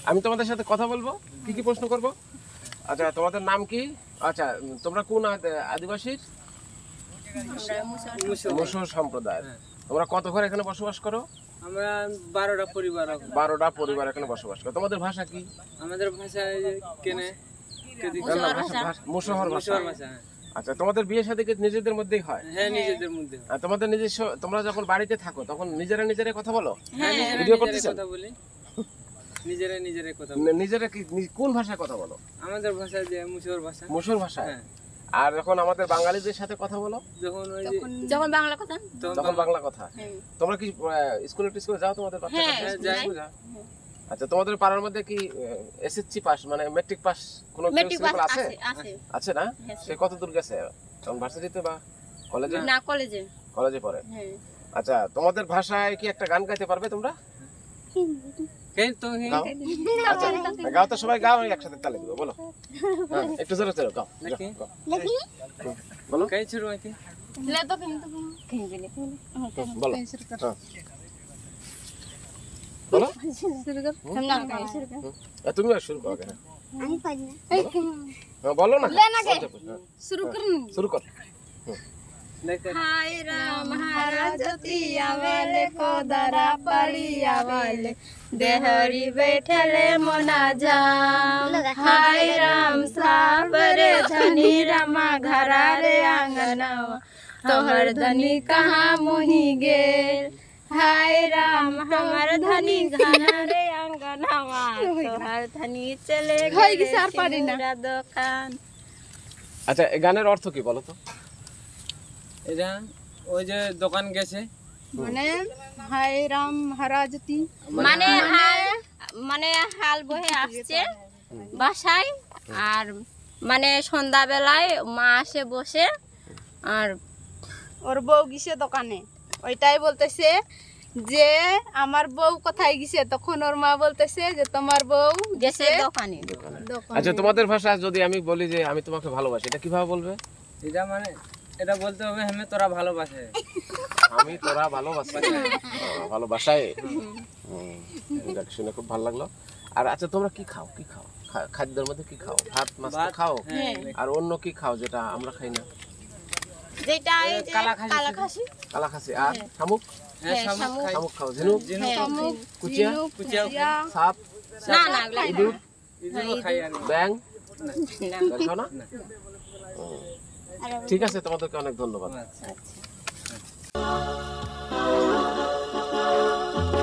আমি তোমাদের সাথে কথা বলবো, কি কি প্রশ্ন করব। আচ্ছা, তোমাদের নাম কি? আচ্ছা, তোমরা কোন আদিবাসীর? মুসর সম্প্রদায়ের। তোমরা কত ঘর এখানে বসবাস করো? আমরা 12টা পরিবার। 12টা পরিবার এখানে বসবাস করো। তোমাদের ভাষা কি? আমাদের ভাষা কেনে মুসহর ভাষা। হ্যাঁ। আচ্ছা, তোমাদের বিয়ে শাদী কি নিজেদের মধ্যেই হয়? হ্যাঁ, নিজেদের মধ্যে। আর তোমাদের নিজস্ব, তোমরা যখন বাড়িতে থাকো তখন নিজেরা কথা বলো? হ্যাঁ, ভিডিও করতেছেন? কথা বলি, নিজেরা কথা বলি। নিজেরা কি কোন ভাষায় কথা বলো? আমাদের ভাষা যে মুসর ভাষা। মুসর ভাষায়। হ্যাঁ। আর যখন আমাদের বাঙালিদের সাথে কথা বলো? যখন বাংলা কথা। তখন বাংলা কথা। তোমরা কি স্কুলে যাও? তোমাদের বাচ্চারা স্কুলে যাও? আচ্ছা, তোমাদের পাড়ার মধ্যে কি এসএসসি পাস মানে মেট্রিক পাস কোনো ছেলে আছে? আছে না? সে কত দূর গেছে? তখন ভার্সিটিতে বা কলেজে? না, কলেজে পড়ে। আচ্ছা, তোমাদের ভাষায় কি একটা গান গাইতে পারবে তোমরা? গাও। আচ্ছা, গাও তো, সবাই গাও, একসাথে তালে দিব, বলো। হ্যাঁ, একটু জোরে জোরে গাও। বলো। কই শুরু হইছে? লে তো কিন্তু বলো। বলো। শুরু কর। শুরু কর। তুমি শুরু করো কেন? আমি পারি না। বলো না। শুরু কর। শুরু কর। হায় রাম হারাজতি আওয়ালে কোদারা পাড়ি আওয়ালে দেহরি बैठले मोना जाम हाय राम साबरे धनी रमा घरा रे आंगनवा तोहर धनी कहाँ मोही गेल हाय राम हमर धनी घरा रे आंगनवा तोहर धनी चले गेल मेरा दुकान। আচ্ছা, এই গানের অর্থ কি বলো তো? এটা ওই যে দোকান গেছে মানে হায় রাম হারাজতি মানে হাল বহে আসছে বাসায়, আর মানে সন্ধ্যাবেলায় মা আসে বসে, আর ওর বউ গেছে দোকানে, ওইটাই বলতেছে যে আমার বউ কোথায় গেছে, তখন ওর মা বলতেছে যে তোমার বউ গেছে দোকানে। আচ্ছা, তোমাদের ভাষা যদি আমি বলি যে আমি তোমাকে ভালোবাসি, এটা কিভাবে বলবে? এটা মানে এটা বলতে হবে আমি তোরা ভালোবাসে। আমি তোরা ভালোবাসি। ভালোবাসায়। এটা শুনে খুব ভালো লাগলো। আর আচ্ছা, তোমরা কি খাও? খাদ্যের মধ্যে কি খাও? ভাত মাছ খাও? আর অন্য কি খাও যেটা আমরা খাই না? যেটা এই যে কালা খাসি আর শামুক? হ্যাঁ, শামুক খাও। ঝিনুক? কুচিয়া? সাপ? না ইঁদুর? ইঁদুরও খাই আর ব্যাং? না খাও না? ঠিক আছে, তোমাদেরকে অনেক ধন্যবাদ। আচ্ছা।